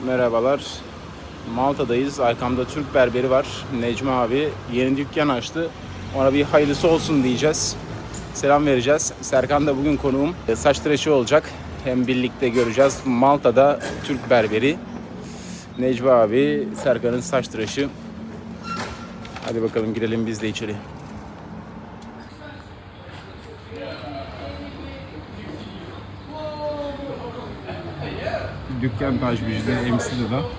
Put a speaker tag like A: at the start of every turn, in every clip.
A: Merhabalar. Malta'dayız. Arkamda Türk berberi var. Necmi abi yeni dükkan açtı. Ona bir hayırlısı olsun diyeceğiz. Selam vereceğiz. Serkan da bugün konuğum. Saç tıraşı olacak. Hem birlikte göreceğiz. Malta'da Türk berberi. Necmi abi, Serkan'ın saç tıraşı. Hadi bakalım girelim biz de içeri. Dükkan Tajbici'de, MC'de de.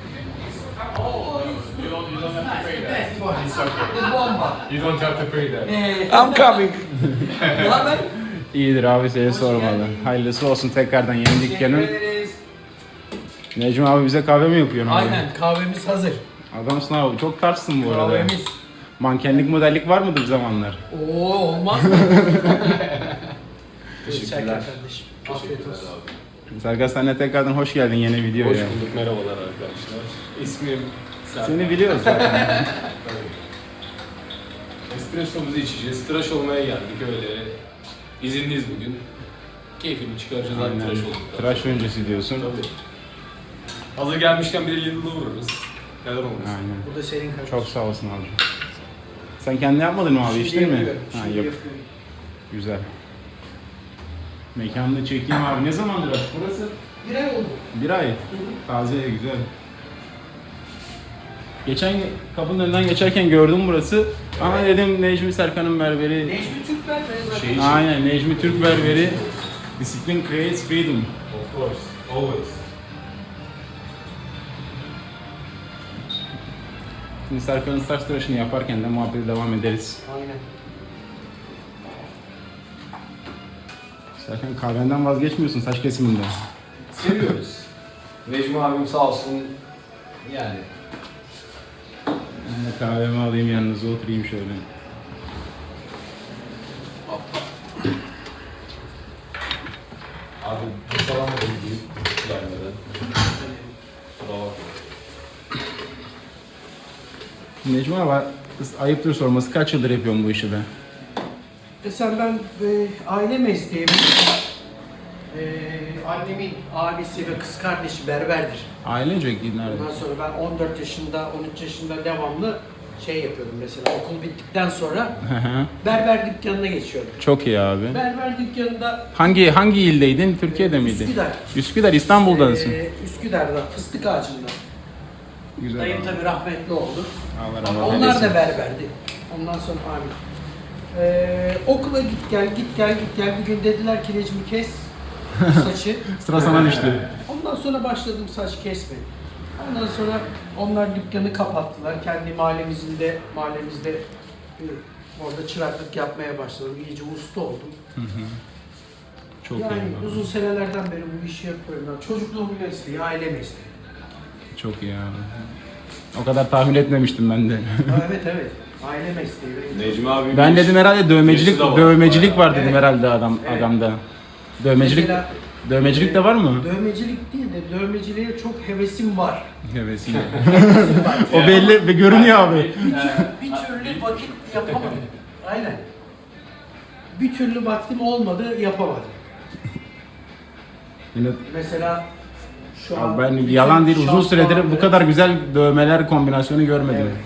B: You don't have to pay that.
A: I'm coming.
C: Ne haber?
A: İyidir abi, seni sormalı. Hayırlısı olsun tekrardan yeni dükkanın. Necmi abi bize kahve mi yapıyorsun abi?
C: Aynen, kahvemiz hazır.
A: Adamsın abi, çok tarzsın bu arada.
C: Kahvemiz.
A: Mankenlik, modellik var mıdır bir zamanlar?
C: Oo, olmaz mı?
A: Teşekkürler.
C: Kardeşim. Afiyet olsun.
A: Serkan, sen de tekrardan hoş geldin yeni videoya.
B: Hoş bulduk, merhabalar arkadaşlar. İsmim Serkan.
A: Seni biliyoruz zaten.
B: Espressomuzu içeceğiz, tıraş olmaya geldik öyle. İzinliyiz bugün. Keyfini çıkaracağız abi, tıraş olduk.
A: Tıraş öncesi diyorsun.
B: Tabii. Hazır gelmişken bir de Lidl'da uğrarız. Neden olmasın?
A: Aynen.
C: Bu da senin kardeşim.
A: Çok sağ olsun abi. Sen kendin yapmadın mı abi,
C: Şimdi
A: içtin mi?
C: yapıyorum,
A: Ha,
C: şimdi
A: yok.
C: yapıyorum.
A: Güzel. Mekanı da çekeyim abi. Ne zamandır açık burası?
C: Bir ay oldu.
A: Bir ay. Taze, güzel. Geçen kapının önünden geçerken gördüm burası. Ama dedim Necmi Serkan'ın berberi.
C: Necmi Türkler ve
B: Şey-
A: Aynen, Necmi Türk berberi. Discipline creates freedom.
B: Of course, always.
A: Şimdi Serkan'ın saç tıraşını yaparken de muhabbete devam ederiz.
C: Aynen.
A: Serkan, kahvenden vazgeçmiyorsun saç kesiminde.
B: Seviyoruz. Necmi abim sağ olsun yani.
A: Ben de kahvemi alayım, yanınıza oturayım şöyle.
B: Abi bu falan da ilgili gelmeden. Bravo.
A: Necmi abi, ayıptır sorması, kaç yıldır yapıyorum bu işi be?
C: Mesela ben aile mesleğim. Annemin abisi ve kız kardeşi berberdir.
A: Ailece nerede?
C: Ondan sonra ben 14 yaşında, 13 yaşında devamlı şey yapıyordum mesela okul bittikten sonra berber dükkanına geçiyordum.
A: Çok iyi abi.
C: Berber dükkanında
A: Hangi ildeydin? Türkiye'de miydin?
C: Üsküdar.
A: Üsküdar, İstanbul'dasın.
C: Üsküdar'da, fıstık ağacında.
A: Güzel
C: Dayım
A: abi.
C: tabii rahmetli oldu.
A: Allah
C: Ama
A: rahmet
C: onlar
A: eylesin.
C: da berberdi. Ondan sonra abi. Okula git gel. Bir gün dediler ki Necmi kes saçı.
A: Sıra sana düştü.
C: Ondan sonra başladım saç kesmeye. Ondan sonra onlar dükkanı kapattılar. Kendi mahallemizde orada çıraklık yapmaya başladım. İyice usta oldum.
A: Çok
C: Yani
A: iyi abi.
C: uzun senelerden beri bu işi yapıyorum. Yani çocukluğum mesleği, aile mesleği.
A: Çok iyi abi. O kadar tahmin etmemiştim ben de.
C: Evet. Aile mesleği.
B: Necmi abi
A: Ben dedim herhalde dövmecilik
B: Yaşı da var.
A: dövmecilik var dedim
C: Evet.
A: herhalde
C: Evet.
A: adamda. Dövmecilik
C: Mesela-
A: dövmecilik de var mı?
C: Dövmecilik değil de dövmeciliğe çok hevesim var.
A: Hevesiyle. O belli ve görünüyor abi.
C: Bir türlü vakit yapamadım. Aynen. Bir türlü vaktim olmadı, yapamadım.
A: Yine
C: Mesela şu an...
A: abi ben
C: bütün
A: yalan değil, uzun süredir bu
C: şampuanları-
A: kadar güzel dövmeler kombinasyonu görmedim.
C: Evet.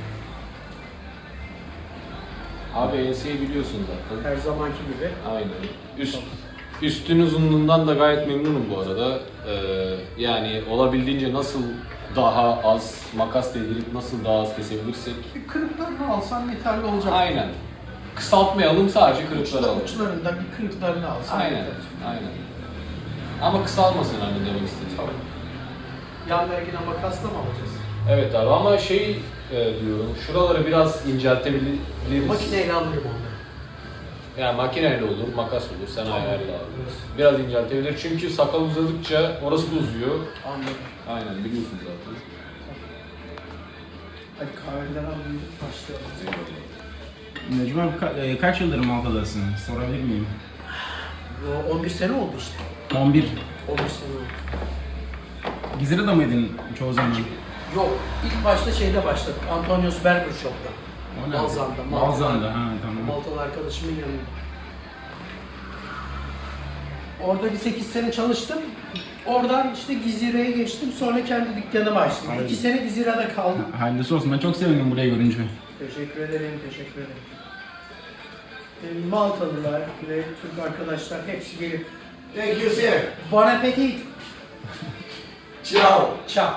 B: Abi enseyi biliyorsun zaten.
C: Her zamanki gibi.
B: Aynen. Üstün uzunluğundan da gayet memnunum bu arada. Yani olabildiğince nasıl daha az makas değdirip nasıl daha az kesebilirsek.
C: Bir kırıklarını alsam yeterli olacak.
B: Aynen. Kısaltmayalım, sadece kırıkları alalım.
C: Uçlarında bir kırıklarını alsam
B: Aynen,
C: yeter.
B: aynen. Ama kısalmasın hani demek istedim.
C: Yan vergine makasla mı alacağız?
B: Evet abi ama diyorum, şuraları biraz inceltebiliriz.
C: Makineyle alırım onları.
B: Yani makineyle olur, makas olur, sen ayarla abi. Biraz inceltebilir çünkü sakal uzadıkça orası da uzuyor.
C: Anladım.
B: Aynen, biliyorsun zaten.
C: Hadi kahveler alayım, başlayalım.
A: Necmi abi kaç yıldır Malta'dasın? Sorabilir miyim?
C: 11 sene oldu işte.
A: 11.
C: 11 sene oldu.
A: Gizli'de mıydın çoğu zaman?
C: Yok, ilk başta şeyde başladık. Antonius Berger Shop'ta.
A: O nerede?
C: Balzan'da.
A: Balzan'da, ha tamam.
C: Maltalı arkadaşımın yanında. Orada bir 8 sene çalıştım. Oradan işte Gizire'ye geçtim. Sonra kendi dükkanımı açtım.
A: Aynen.
C: 2 sene Gizire'de kaldım.
A: Hayırlısı olsun. Ben çok sevindim burayı görünce.
C: Teşekkür ederim, teşekkür ederim. Maltalılar ve Türk arkadaşlar hepsi gelip
D: Thank you, sir.
C: Bon appetit.
D: Ciao.
C: Ciao.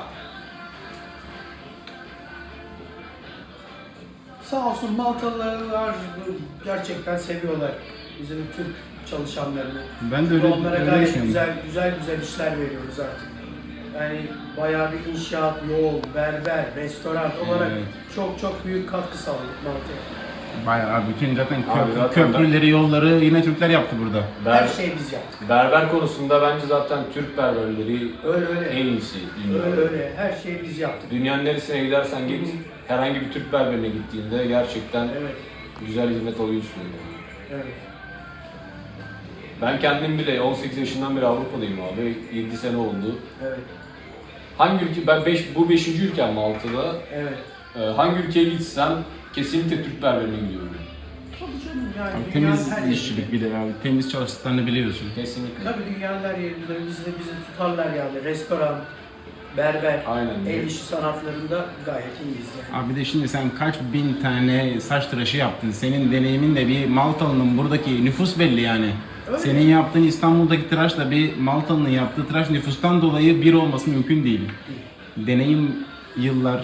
C: Sağ olsun Maltalılar gerçekten seviyorlar bizim Türk çalışanlarını.
A: Ben de öyle,
C: Onlara
A: öyle
C: gayet
A: düşünüyorum.
C: güzel işler veriyoruz artık. Yani bayağı bir inşaat, yol, berber, restoran olarak
A: Evet.
C: çok büyük katkı sağladık Malta'ya.
A: Bayağı bütün zaten
B: Abi zaten
A: köprüleri, yolları yine Türkler yaptı burada.
C: Her şeyi biz yaptık.
B: Berber konusunda bence zaten Türk berberleri
C: Öyle.
B: en iyisi dünyada.
C: Öyle. Her şeyi biz yaptık.
B: Dünyanın neresine gidersen git, herhangi bir Türk berberine gittiğinde gerçekten
C: Evet.
B: güzel hizmet alıyorsun. Yani.
C: Evet.
B: Ben kendim bile 18 yaşından beri Avrupa'dayım abi. 7 sene oldu.
C: Evet.
B: Hangi ülke, bu 5. ülkem Malta'da.
C: Evet.
B: Hangi ülkeye gitsem kesinlikle Türk berberine gidiyorum.
C: Tabii canım yani
A: Abi,
C: dünyanın
A: temiz
C: her
A: işçilik bir de abi. Temiz çalıştıklarını biliyorsun.
B: Kesinlikle.
C: Tabii dünyanın her yerinde bizi tutarlar yani. Restoran, berber,
B: Aynen.
C: el işi sanatlarında gayet iyiyiz yani.
A: Abi de şimdi sen kaç bin tane saç tıraşı yaptın. Senin deneyimin de bir Maltalı'nın buradaki nüfus belli yani.
C: Öyle.
A: Senin yaptığın İstanbul'daki tıraşla bir Maltalı'nın yaptığı tıraş nüfustan dolayı bir olması mümkün değil. Deneyim yıllar.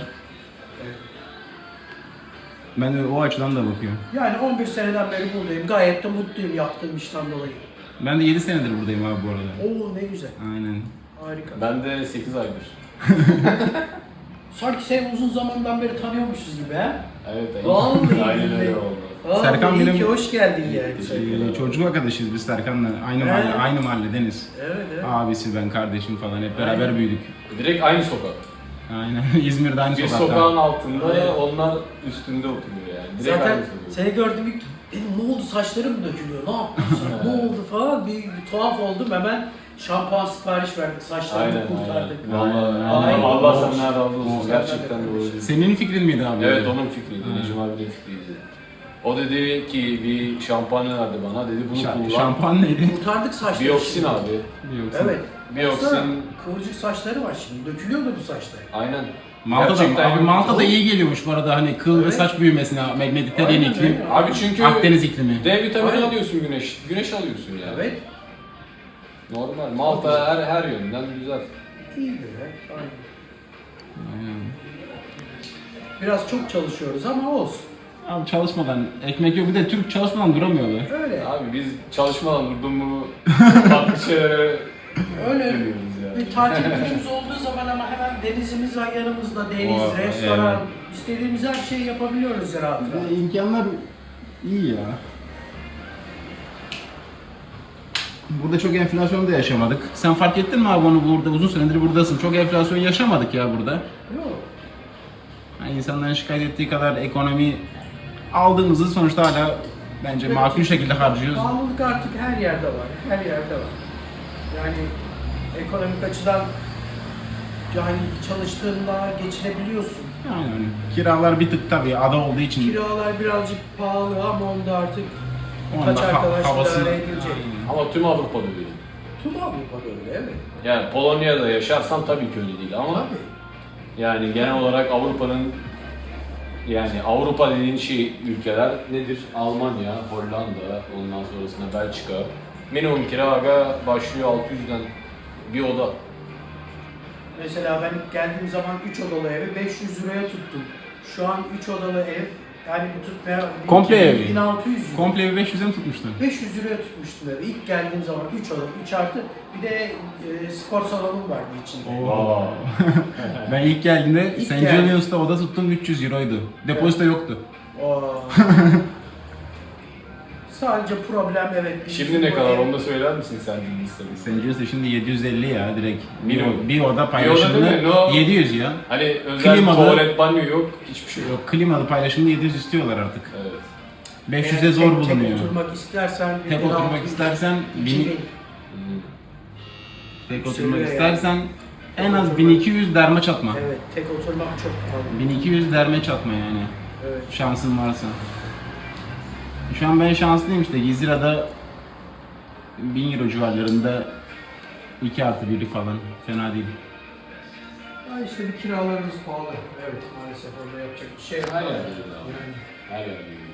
A: Ben de o açıdan da bakıyorum.
C: Yani 11 seneden beri buradayım. Gayet de mutluyum yaptığım işten dolayı.
A: Ben de 7 senedir buradayım abi bu arada.
C: Oo ne güzel.
A: Aynen.
C: Harika.
B: Ben de 8 aydır.
C: Sanki seni uzun zamandan beri tanıyormuşuz gibi ha?
B: Evet,
C: Vallahi
B: aynen öyle
C: billahi.
B: oldu.
C: Vallahi
A: Serkan
C: iyi
A: benim-
C: ki hoş geldin yani.
A: Çocukluk arkadaşıyız biz Serkan'la. Aynı
C: Evet.
A: mahalle, aynı mahalleniz.
C: Evet.
A: Abisi, ben, kardeşim falan hep beraber
C: Aynen.
A: büyüdük.
B: Direkt aynı sokak.
A: Aynen. İzmir'de aynı
B: Bir
A: sokakta.
B: sokağın altında,
C: Aynen.
B: onlar üstünde oturuyor yani. Direkt
C: Zaten
B: aynı sokak.
C: seni gördüm ilk dedim ne oldu saçlarım mı dökülüyor ne yaptın sen? Ne oldu falan bir tuhaf oldum hemen şampuan sipariş verdik saçlarımı
B: Aynen,
C: kurtardık.
B: Vallahi
C: Aynen.
B: Allah senden razı olsun.
A: Olsun.
B: Gerçekten doğru.
A: Senin fikrin miydi abi?
B: Evet, onun fikriydi. Necim abinin fikriydi. O dedi ki bir şampuan verdi bana. Dedi bunu kullan.
A: Şampuan neydi?
C: Kurtardık saçları.
B: Biyoksin
C: şimdi.
B: abi.
A: Yoksa.
C: Evet.
B: Biyoksin.
C: Baksana, kıvırcık saçları var şimdi. Dökülüyordu bu saçlar.
B: Aynen.
A: Malta'da,
B: Gerçekten
A: abi Malta'da iyi geliyormuş bu arada hani kıl ve
C: Evet.
A: saç büyümesine, Mediterranean
C: Aynen
A: iklim.
C: öyle.
B: Abi çünkü
A: Akdeniz iklimi.
B: D vitamini
C: Aynen.
B: alıyorsun güneş alıyorsun yani.
C: Evet.
B: Normal. Malta her yönden güzel.
C: İyi böyle. Aynen.
A: Aynen.
C: Biraz çok çalışıyoruz ama olsun.
A: Abi çalışmadan ekmek yok. Bir de Türk çalışmadan duramıyor be.
C: Öyle.
B: Abi biz çalışmadan durdun mu farklı şeylere
C: Öyle.
B: dönüyoruz yani.
C: Bir tatil günümüz olduğu zaman ama hemen denizimiz var yanımızda. Deniz,
A: O,
C: restoran,
A: evet.
C: istediğimiz her şeyi yapabiliyoruz rahat rahat.
A: İmkanlar iyi ya. Burada çok enflasyon da yaşamadık. Sen fark ettin mi abi onu burada uzun süredir buradasın. Çok enflasyon yaşamadık ya burada.
C: Yok.
A: Yani insanların şikayet ettiği kadar ekonomi aldığımızı sonuçta hala bence makul şekilde harcıyoruz.
C: Pahalılık artık her yerde var. Her yerde var. Yani ekonomik açıdan yani çalıştığında geçinebiliyorsun.
A: Yani kiralar bir tık tabii ada olduğu için.
C: Kiralar birazcık pahalı ama onda artık
A: Onun da
C: kaç arkadaş
A: havası-
C: idare edilecek.
B: Ama tüm Avrupa'da öyle.
C: Tüm Avrupa'da öyle evet.
B: Yani Polonya'da yaşarsan tabii ki öyle değil ama
C: Tabii.
B: yani genel olarak Avrupa'nın yani Avrupa dediğin şey ülkeler nedir? Almanya, Hollanda, ondan sonrasında Belçika. Minimum kira başlıyor 600'den bir oda.
C: Mesela ben ilk geldiğim zaman 3 odalı evi 500 liraya tuttum. Şu an 3 odalı ev yani bu tutmaya
A: Komple evi.
C: 1600 lira.
A: Komple evi 500'e mi tutmuştun?
C: 500 liraya tutmuştum evi. İlk geldiğim zaman 3 odalı 3 artı bir de spor salonum vardı içinde.
B: Aa.
A: Ben ilk geldiğimde
C: İlk
A: St.
C: geldim.
A: Julius'ta oda tuttum 300 euroydu. Depozito yoktu.
C: Oo. Sadece problem evet.
B: Şimdi ne kadar onu da söyler misin sen listemiz?
A: St. Julius'ta şimdi 750 ya direkt.
B: Minimum.
A: Bir oda
B: Bir oda
A: paylaşımlı
B: değil mi? No.
A: 700 ya.
B: Hani özel
A: Klimalı-
B: tuvalet, banyo yok, hiçbir şey yok.
A: Yok klimalı paylaşımlı 700 istiyorlar artık.
B: Evet.
A: 500'e
C: Eğer
A: zor
C: tek
A: bulunuyor.
C: oturmak istersen
A: Tek
C: 1600,
A: oturmak istersen
C: 2000.
A: tek
C: Yükseliyor
A: oturmak
C: yani.
A: istersen en az 1200 derme çatma.
C: Evet, tek oturmak çok pahalı.
A: 1200 derme çatma yani.
C: Evet.
A: Şansın varsa. Şu an ben şanslıyım işte Gizira'da 1000 euro civarlarında 2 artı 1'i falan fena değil.
C: Ya işte bir kiralarımız pahalı. Evet maalesef orada yapacak bir şey yok.
B: Her yerde öyle abi.
C: Yani.
B: Her yerde öyle.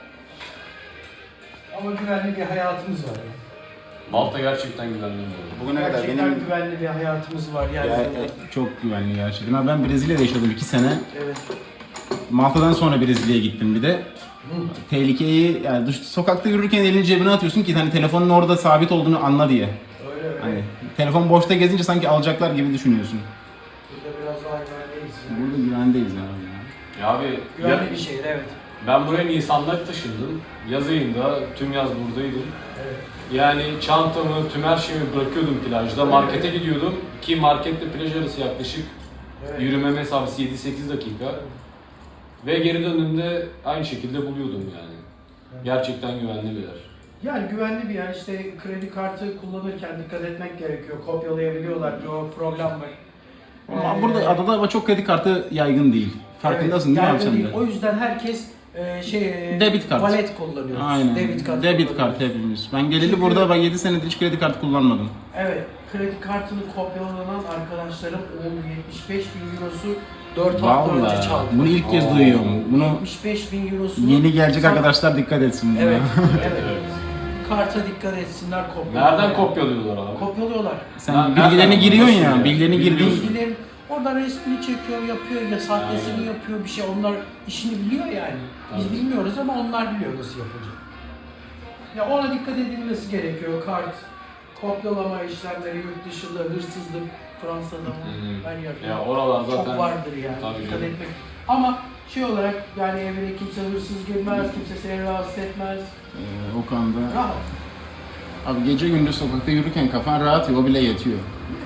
C: Ama güvenli bir hayatımız var. Yani.
B: Malta gerçekten güvenli bir yer.
A: Bugüne kadar
C: Gerçekten
A: benim
C: güvenli bir hayatımız var yani.
A: çok güvenli gerçekten. Ama ben Brezilya'da yaşadım 2 sene.
C: Evet.
A: Malta'dan sonra Brezilya'ya gittim bir de. Tehlikeyi yani sokakta yürürken elini cebine atıyorsun ki hani telefonun orada sabit olduğunu anla diye.
C: Öyle öyle.
A: Hani telefon boşta gezince sanki alacaklar gibi düşünüyorsun.
C: Burada biraz daha güvendeyiz. Yani.
A: Burada güvendeyiz abi.
B: Ya abi
C: Güvenli bir şehir evet.
B: ben buraya Nisan'da taşındım. Yaz ayında tüm yaz buradaydım.
C: Evet.
B: Yani çantamı, tüm her şeyimi bırakıyordum plajda. Markete gidiyordum ki marketle plaj arası yaklaşık
C: Evet.
B: yürüme mesafesi 7-8 dakika. Ve geri döndüğümde aynı şekilde buluyordum yani. Gerçekten güvenli bir yer.
C: Yani güvenli bir yer. İşte kredi kartı kullanırken dikkat etmek gerekiyor. Kopyalayabiliyorlar. Bir o problem var.
A: Ama burada adada ama çok kredi kartı yaygın değil. Farkındasın değil mi abi
C: yaygın
A: sen
C: değil.
A: de?
C: O yüzden herkes
A: Debit kart.
C: Valet kullanıyor.
A: Aynen.
C: Debit kart.
A: Debit
C: kullanıyoruz.
A: kart hepimiz. Ben geleli
C: Çünkü-
A: burada bak 7 senedir hiç kredi kartı kullanmadım.
C: Evet. Kredi kartını kopyalanan arkadaşlarım 75.000 eurosu 4 hafta önce
A: Vallahi
C: çaldı.
A: bunu ilk kez
B: Aa.
A: duyuyorum. Bunu
C: 75.000 eurosunu
A: yeni gelecek
C: Sen-
A: arkadaşlar dikkat etsin buna.
C: Evet. evet.
B: Evet.
C: Karta dikkat etsinler kopyalıyorlar.
B: Nereden kopyalıyorlar abi?
C: Kopyalıyorlar.
A: Sen
B: Nereden?
A: bilgilerini giriyorsun
B: Nasıl
A: ya,
B: yani?
A: bilgilerini girdiğin
B: Bilmiyorsun.
C: Bilgilerin oradan resmini çekiyor, yapıyor ya sahtesini
B: Aynen.
C: yapıyor bir şey. Onlar işini biliyor yani. Biz
B: Tabii.
C: bilmiyoruz ama onlar biliyor nasıl yapacak. Ya ona dikkat edilmesi gerekiyor. Kart, kopyalama işlemleri, yurt dışında hırsızlık, Fransa'da mı?
B: Hı.
C: Her yerde.
B: Ya oralar zaten
C: Çok vardır yani.
B: Tabii
C: dikkat
B: canım.
C: etmek. Ama şey olarak yani evine kimse hırsız girmez, kimse seni rahatsız etmez.
A: O konuda.
C: Rahat.
A: Abi gece gündüz sokakta yürürken kafan rahat ya, o bile yetiyor.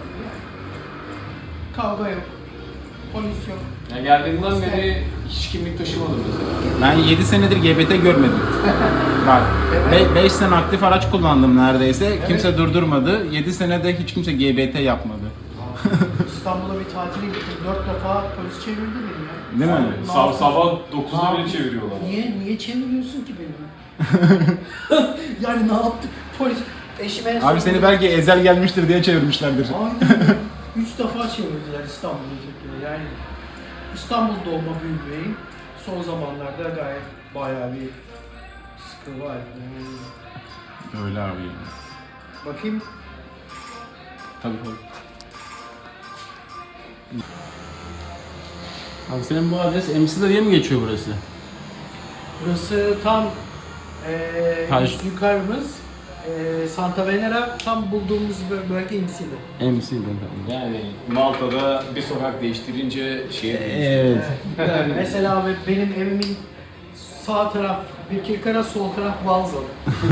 C: Kavga yok. Polis yok.
B: Ya geldiğimden beri hiç kimlik taşımadım mesela.
A: Ben 7 senedir GBT görmedim. Bak,
C: Evet.
A: 5 sene aktif araç kullandım neredeyse. Kimse durdurmadı. 7 senede hiç kimse GBT yapmadı.
C: İstanbul'a bir tatile gittim. 4 defa polis çevirdi beni ya.
A: Değil mi?
C: Ne yaptın?
B: Sabah
C: Ne
B: 9'da bile
C: yaptın?
B: çeviriyorlar.
C: Niye çeviriyorsun ki beni? Yani ne yaptık? Polis eşime
A: Abi seni belki ezel gelmiştir diye çevirmişlerdir.
C: Aynen. 3 defa çevirdiler İstanbul'da. Yani İstanbul doğma büyümeyim. Son zamanlarda gayet bayağı bir sıkı var.
A: Öyle abi.
C: Bakayım.
A: Tabii tabii. Abi senin bu adres Emside diye mi geçiyor burası?
C: Burası tam
A: Taş.
C: yukarımız. Santa Venera tam bulduğumuz bölge imsili.
A: Emside tamam.
B: Yani Malta'da bir sokak değiştirince şehir
A: Evet.
C: Mesela benim evimin sağ taraf Birkirkara, sol taraf Balzac.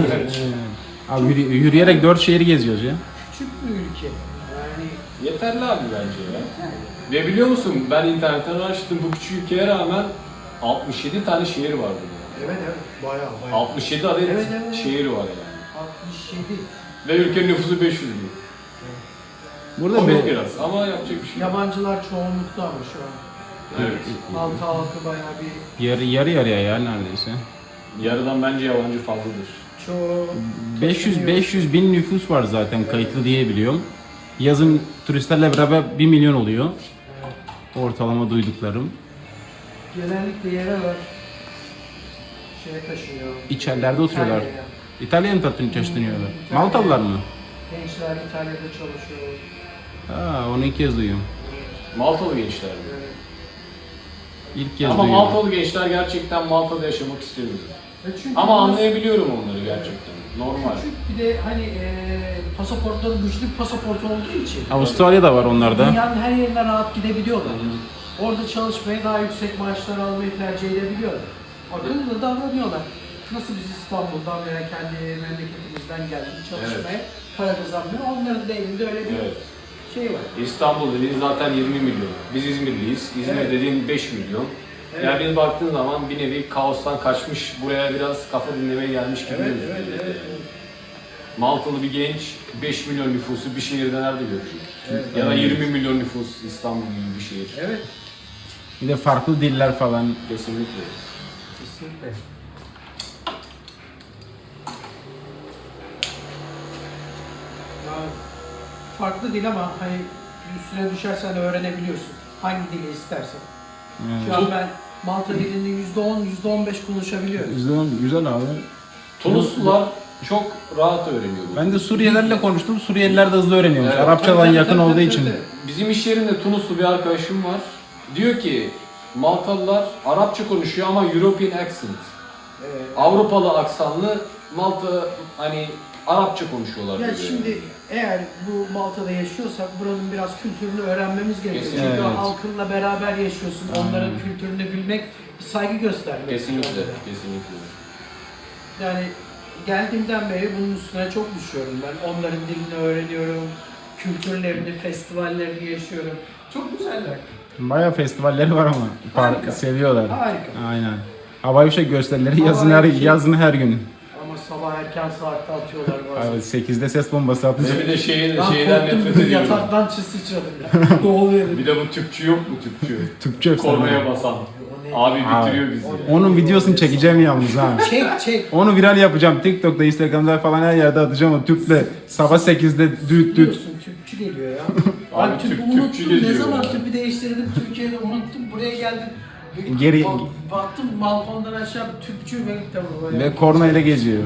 A: Abi yürüyerek 4 şehri geziyoruz ya.
C: Küçük bir ülke. Yani
B: Yeterli abi bence ya. Ve biliyor musun ben internetten araştırdım bu küçük ülkeye rağmen 67 tane şehir var burada.
C: evet bayağı.
B: 67 adet
C: Evet, evet.
B: şehir var yani.
C: 67.
B: Ve ülkenin nüfusu 500 bin.
A: Burada
B: Komik
A: be,
B: biraz ama yapacak bir şey yok.
C: Yabancılar çoğunlukta ama şu an.
B: Evet.
C: Malta halkı bayağı bir
A: yarı yarıya ya neredeyse.
B: Yarıdan bence yabancı fazladır.
C: çoğu
A: 500 bin nüfus var zaten kayıtlı diye biliyorum. Yazın turistlerle beraber 1 milyon oluyor. Ortalama duyduklarım.
C: genellikle yerel şeye taşınıyor.
A: İçerilerde oturuyorlar.
C: İtalya'ya.
A: İtalya'ya mı taşınıyorlar?
C: İtalya.
A: Maltalılar mı?
C: Gençler İtalya'da çalışıyor.
A: Ha, onu ilk kez duyuyorum.
B: Maltalı gençler.
C: Evet.
A: İlk kez
B: Ama
A: duyuyorum.
B: Maltalı gençler gerçekten Malta'da yaşamak istemiyor.
C: Çünkü
B: Ama anlayabiliyorum onları gerçekten. Normal.
C: küçük bir de hani pasaportları güçlü bir pasaport olduğu için
A: Avustralya'da var onlarda.
C: dünyanın her yerine rahat gidebiliyorlar. Orada çalışmaya daha yüksek maaşlar almayı tercih edebiliyorlar. Akıllı davranıyorlar. Nasıl biz İstanbul'dan veya kendi memleketimizden geldik çalışmaya para kazanmıyor. Onların da elinde öyle bir
B: Evet.
C: şey var.
B: İstanbul dediğin zaten 20 milyon. Biz İzmirliyiz. İzmir
C: Evet.
B: dediğin 5 milyon.
C: Evet.
B: Yani biz baktığın zaman bir nevi kaostan kaçmış, buraya biraz kafa dinlemeye gelmiş gibi gözüküyor. Maltalı bir genç 5 milyon nüfusu bir şehirde nerede görecek?
C: Evet.
B: Ya da 20 milyon nüfus İstanbul gibi bir şehir.
C: Evet.
A: Bir de farklı diller falan.
B: Kesinlikle.
C: Kesinlikle. farklı dil ama hani üstüne düşersen öğrenebiliyorsun. Hangi dili istersen. Şu an ben Malta dilini %10, %15 konuşabiliyorum.
A: Güzel abi.
B: Tunuslular çok rahat öğreniyor bu.
A: Ben de Suriyelilerle konuştum. Suriyeliler de hızlı öğreniyormuş.
B: Evet.
A: Arapçadan yakın olduğu için.
B: Bizim iş yerinde Tunuslu bir arkadaşım var. Diyor ki Maltalılar Arapça konuşuyor ama European accent. Avrupalı aksanlı Malta hani Arapça konuşuyorlar.
C: Ya
B: diyor.
C: şimdi eğer bu Malta'da yaşıyorsak buranın biraz kültürünü öğrenmemiz gerekiyor.
B: Kesinlikle.
C: Çünkü
A: Evet.
C: halkınla beraber yaşıyorsun. Onların kültürünü bilmek, bir saygı göstermek.
B: Kesinlikle,
C: onlara.
B: kesinlikle.
C: Yani geldiğimden beri bunun üstüne çok düşüyorum ben. Onların dilini öğreniyorum, kültürlerini, festivallerini yaşıyorum. Çok güzeller.
A: Bayağı festivalleri var ama.
C: Harika.
A: Seviyorlar.
C: Harika.
A: Aynen. Havai fişek gösterileri
C: Havai fişek.
A: yazın her gün.
C: Ama sabah erken saatte atıyorlar bazen.
A: Abi 8'de ses bombası atmış.
B: Ve bir de şeyden
C: Ben
B: nefret
C: korktum,
B: ediyorum.
C: yataktan sıçradım ya. Ne oluyor?
B: Bir de bu tüpçü yok mu tüpçü?
A: Türkçe
B: Kornaya
A: efsane.
B: basan.
C: O ne?
B: Abi bitiriyor bizi.
A: Onun videosunu çekeceğim yalnız ha.
C: Çek.
A: Onu viral yapacağım. TikTok'ta, Instagram'da falan her yerde atacağım o tüple. Sabah 8'de düt düt.
C: Biliyorsun tüpçü geliyor ya.
B: Abi
C: Ben tüpü
B: tüpçü
C: unuttum. Ne
B: geliyor
C: zaman
B: ya.
C: tüpü değiştirdim Türkiye'de unuttum. Buraya geldim.
A: Geri-
C: Baktım balkondan aşağı bir tüpçü ve böyle.
A: Ve korna ile geziyor.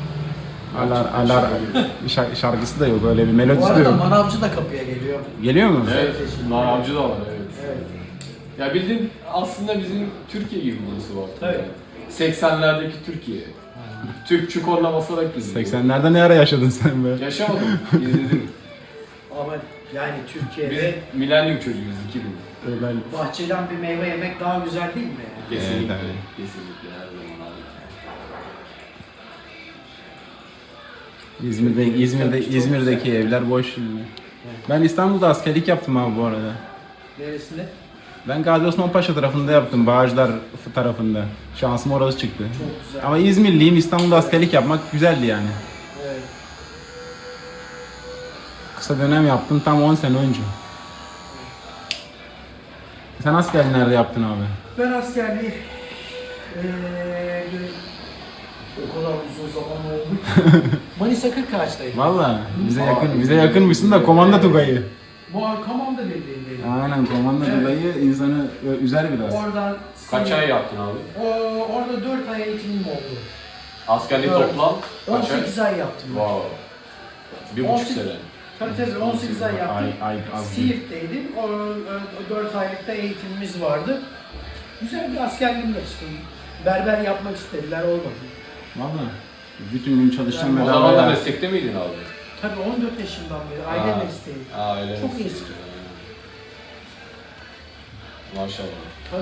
A: Şarkısı da yok, öyle bir
C: Bu
A: melodisi de
C: arada
A: yok.
C: manavcı da kapıya geliyor.
A: Geliyor mu?
B: Evet, naravcı da var evet.
C: Evet.
B: Ya bildiğin aslında bizim Türkiye gibi burası var.
C: Evet.
B: 80'lerdeki Türkiye. Tüpçü korna basarak izliyor.
A: 80'lerde ne ara yaşadın sen be?
B: Yaşamadım, izledim.
C: Ama yani
B: Biz
C: Türkiye'de
B: milenyum çocuğuyuz 2000.
A: Ben
C: bahçeden bir meyve yemek daha güzel değil mi? Yani?
B: Kesinlikle,
A: Evet,
B: kesinlikle her zaman abi.
A: İzmir'deki evler boş şimdi. Ben İstanbul'da askerlik yaptım abi bu arada.
C: Neresinde?
A: Ben Gazi Osman Paşa tarafında yaptım, Bağcılar tarafında. Şansım orası çıktı.
C: Çok güzel.
A: Ama İzmirliyim, İstanbul'da askerlik yapmak güzeldi yani.
C: Evet.
A: Kısa dönem yaptım, tam 10 sene önce. Sen askerliği nerede yaptın abi?
C: Ben askerliği o kadar uzun zaman oldu. Manisa Kırkağaç'taydım.
A: Valla bize yakınmışsın da komanda Tugay'ı.
C: Bu Kamanda Birliği'ndeydim.
A: Aynen, komanda
C: Evet.
A: Tugay'ı insanı üzer biraz.
C: Oradan
B: Kaç ay yaptın abi?
C: Orada 4 ay eğitimim oldu.
B: Askerlik
C: Evet.
B: toplam kaç ay?
C: 18 ay yaptım. ben.
B: Wow. 1,5
C: 18
B: sene.
C: Tabii 18 ay yaptım.
A: Ay az değil.
C: Siirt'teydim. O 4 aylıkta eğitimimiz vardı. Güzel bir askerliğim geçti. Berber yapmak istediler, olmadı.
A: Valla. Bütün gün çalışacağım
C: Yani
B: O
A: bedava
B: zaman da
A: ya.
B: meslekte miydin abi?
C: Tabii 14 yaşından beri aile
B: Ha.
C: mesleği.
B: Aile
C: Çok
B: mesleki.
C: eski.
B: Maşallah.
C: Tabii.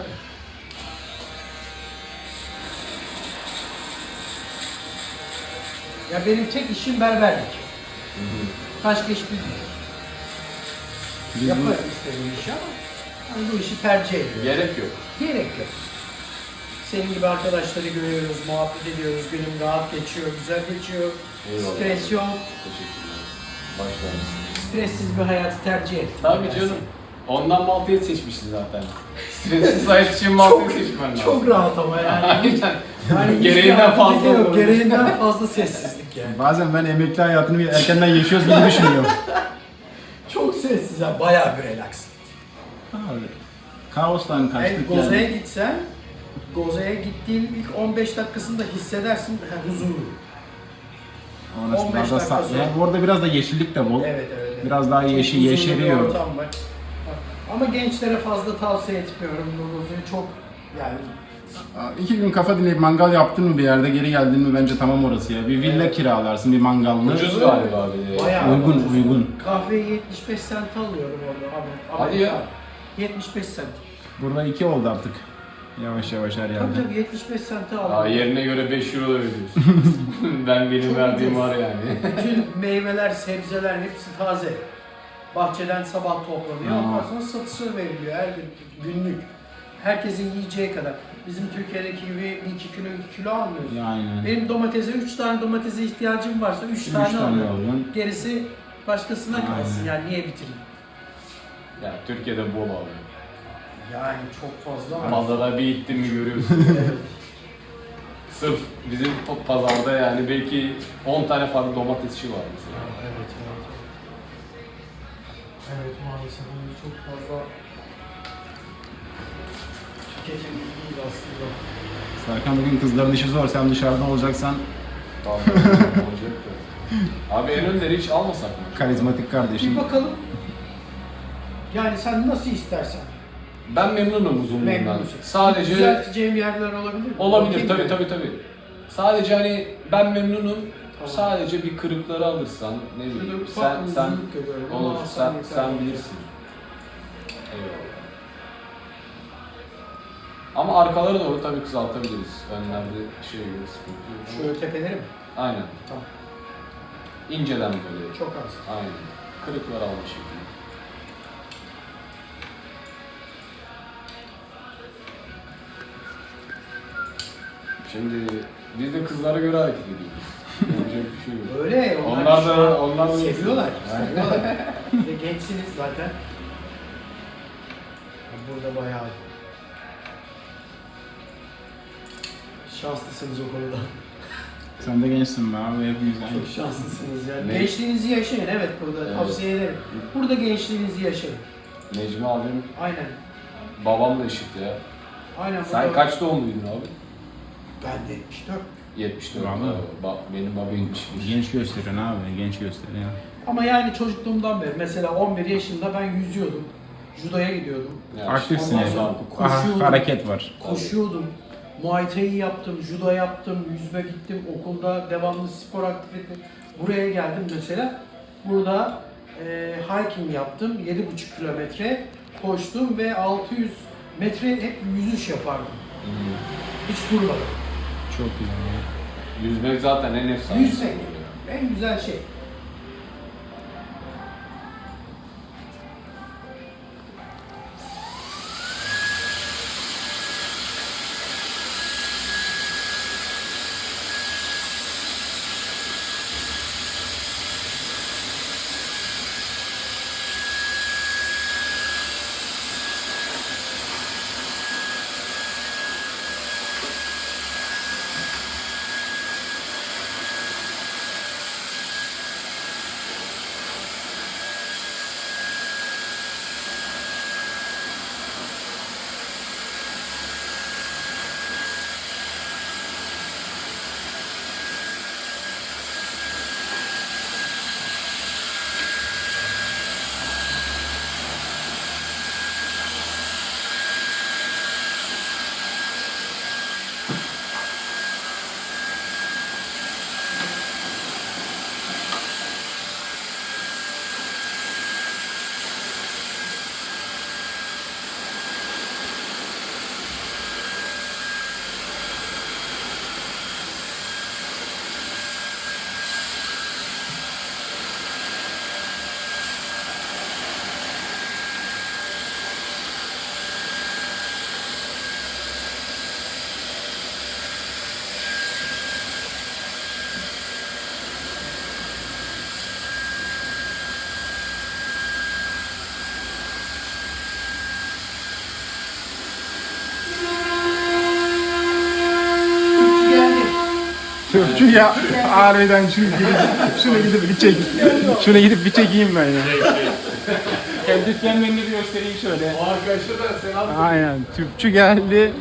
C: Ya benim tek işim berberlik. Başka iş bilmiyorum.
A: Biz
C: Yaparım istediğim işi ama hani bu işi tercih ediyorum.
B: Gerek yok.
C: Gerek yok. Senin gibi arkadaşları görüyoruz, muhabbet ediyoruz, günüm rahat geçiyor, güzel geçiyor.
B: Eyvallah.
C: Stres yok.
B: Teşekkürler. Başlarız.
C: Stressiz bir hayatı tercih ettim.
B: Tabii
C: Yani.
B: canım. Ondan Malta'yı seçmişsin zaten. Stressiz hayat için Malta'yı seçmen lazım.
C: Çok rahat ama yani.
B: Aynen.
C: Yani
B: Gereğinden
C: hiçbir
B: fazla
C: aktivite yok,
B: olur.
C: gereğinden fazla sessizlik yani.
A: Bazen ben emekli hayatını bir erkenden yaşıyoruz gibi düşünüyorum.
C: Çok sessiz ya, bayağı bir relax.
A: Abi, kaostan kaçtık
C: Goze'ye
A: yani.
C: gitsen, Goze'ye gittiğin ilk 15 dakikasında hissedersin huzuru.
A: Orası
C: 15
A: biraz da
C: dakika sonra.
A: yani orada biraz da yeşillik de bol.
C: Evet.
A: Biraz daha
C: Çok huzurlu bir
A: yeşeriyor.
C: ortam var. Ama gençlere fazla tavsiye etmiyorum bu Goze'yi. Çok yani
A: 2 gün kafa dinleyip mangal yaptın mı bir yerde, geri geldin mi bence tamam orası ya. Bir villa kiralarsın, bir mangallı.
B: Ucuz galiba abi.
C: bayağı
A: Uygun,
C: ucuz.
A: uygun.
C: Kahveyi 75 sent alıyorum orada abi.
B: Hadi ya.
C: 75 sent.
A: Burada 2 oldu artık. Yavaş yavaş her yerde.
C: Tabii 75 sente
B: Aa,
C: aldım.
B: yerine göre 5 euro da veriyorsun. Benim
C: Çok
B: verdiğim
C: ucuz.
B: var yani.
C: Bütün meyveler, sebzeler hepsi taze. Bahçeden sabah toplanıyor. Ondan sonra satışa veriliyor her gün, günlük. Herkesin yiyeceği kadar. Bizim Türkiye'deki gibi 2 kilo almıyoruz.
A: Yani.
C: Benim domatese 3 tane domatese ihtiyacım varsa 3
A: Üç
C: tane
A: tane
C: alıyorum.
A: alıyorsun.
C: Gerisi başkasına kalsın.
A: Aynen.
C: Yani niye bitireyim?
B: Ya Türkiye'de bol abi.
C: Yani çok fazla var.
B: Pazara bir gittin mi görüyorsun.
C: Evet.
B: Sırf bizim pazarda yani belki 10 tane farklı domatesçi var mesela.
C: Evet, evet. Evet maalesef bunu çok fazla tüketim değil aslında.
A: Serkan bugün kızların işi zor. Sen dışarıdan olacaksan
B: Tamam. Olacak da. Abi en önleri hiç almasak mı?
A: karizmatik kardeşim.
C: Bir bakalım. Yani sen nasıl istersen.
B: Ben memnunum uzunluğundan.
C: Memnunsun.
B: Sadece
C: Düzelteceğim yerler olabilir mi?
B: olabilir
C: Bakayım
B: tabii
C: mı?
B: tabii. Sadece hani ben memnunum.
C: Tamam.
B: Sadece bir kırıkları alırsan ne bileyim
C: Şurada
B: sen
C: ufak
B: sen
C: uzunluk görüyorum ama
B: olur
C: Hasan yeter.
B: sen bilirsin. Eyvallah. Ama arkaları doğru tabii kısaltabiliriz. Önlerde şey gibi sıkıntı yok.
C: Şöyle tepeleri mi?
B: Aynen.
C: Tamam.
B: İnceden böyle.
C: Çok az.
B: Aynen. Kırıklar alma şekilde. Şimdi biz de kızlara göre hareket ediyoruz. Yapacak bir şey yok.
C: Öyle.
B: Onlar
C: şu
B: da-
C: an
B: onlar da
C: seviyorlar.
B: Aynen.
C: Seviyorlar. Bir de gençsiniz zaten. Burada bayağı şanslısınız o konuda.
A: Sen de gençsin be abi. Hepimiz aynı.
C: Çok şanslısınız yani.
B: Ne?
C: Gençliğinizi yaşayın evet burada
B: Evet.
C: tavsiye ederim. Burada gençliğinizi yaşayın.
B: Necmi abim,
C: Aynen.
B: babam da eşit ya.
C: Aynen.
B: Sen
C: burada-
B: kaç doğumluydun abi?
C: Ben de 74.
B: 74.
A: Vallahi.
B: Benim babam 71.
A: Genç gösteriyorsun abi. Genç gösteriyor.
C: Ama yani çocukluğumdan beri mesela 11 yaşında ben yüzüyordum. Judoya gidiyordum.
B: Yani
A: Aktifsin
C: ondan
A: yani.
C: sonra
A: Aha,
C: koşuyordum.
A: hareket var.
C: Koşuyordum. Muay Thai yaptım, judo yaptım, yüzme gittim, okulda devamlı spor aktivite. Buraya geldim mesela. Burada hiking yaptım, 7,5 kilometre koştum ve 600 metre hep yüzüş yapardım. Hiç durmadım.
A: Çok iyi.
B: Yüzmek zaten en efsane.
C: Yüzmek en güzel şey.
A: Türkçü ya. Harbiden şunu gidip bir çek. Şunu gidip bir çekeyim ben ya. Hem dükkanın önünü bir göstereyim şöyle.
B: O arkadaşlar da selam.
A: Aynen. Tüpçü geldi.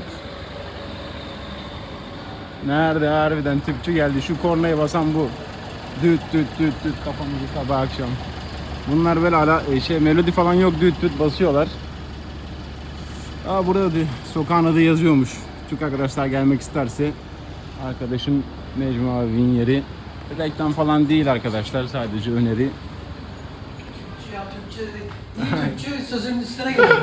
A: Nerede harbiden tüpçü geldi. Şu kornaya basan bu. Düt düt düt düt kafamızı sabah akşam. Bunlar böyle melodi falan yok, düt düt basıyorlar. Burada da sokağın adı yazıyormuş. Türk arkadaşlar gelmek isterse arkadaşım Necmi abinin yeri. Reklam falan değil arkadaşlar, sadece öneri.
C: Ya Türkçe iyi Türkçe sözünün üstüne gelmiş.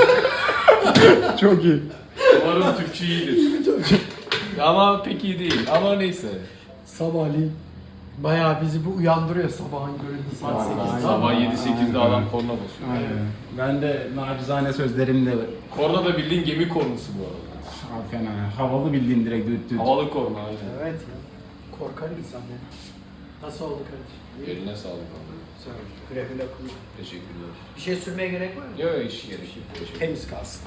A: Çok iyi.
B: Umarım Türkçe iyidir. Ama pek iyi değil. Ama neyse.
C: Sabahleyin bayağı bizi bu uyandırıyor sabahın köründe saat 8'de.
B: Sabah 7-8'de adam korna basıyor.
A: Aynen. Ben de nacizane sözlerimle
B: Korna da bildiğin gemi kornası bu arada.
A: fena. Havalı bildiğin direkt düt düt.
B: Havalı korna aynen.
C: Evet ya. Korkar insan ya. Nasıl oldu kardeşim?
B: Eline sağlık abi.
C: Sağ ol. Güle güle kullan.
B: Teşekkürler.
C: Bir şey sürmeye gerek var mı?
B: Yok hiç gerek yok. Teşekkür.
C: Temiz kalsın.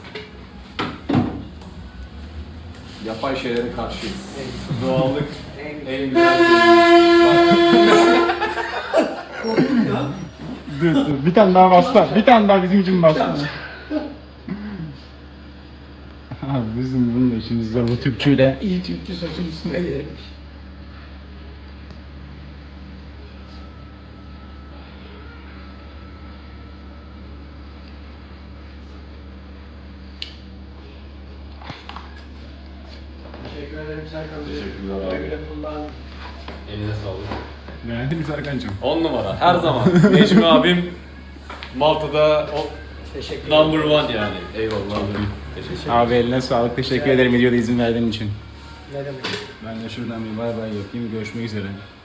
B: Yapay şeylere karşıyız.
C: Evet.
B: Doğallık
C: En
B: en güzel şey.
C: Korktum ya.
A: Dur. Bir tane daha bassa. Bir tane daha bizim için bassa. Abi bizim bunun da işimiz zor bu Türkçüyle.
C: İyi Türkçe saçın üstüne gelirmiş. Teşekkür ederim Serkan Bey.
B: Teşekkürler abi.
C: Güle güle kullan.
B: Eline sağlık.
A: Beğendin mi Serkan'cığım?
B: 10 numara. Her zaman. Necmi abim Malta'da o
C: Teşekkür ederim.
B: number one yani. Eyvallah abi. Teşekkür ederim.
A: Abi eline sağlık. Teşekkür ederim videoda izin verdiğin için.
C: Ne demek?
A: Ben de şuradan bir bay bay yapayım. Görüşmek üzere.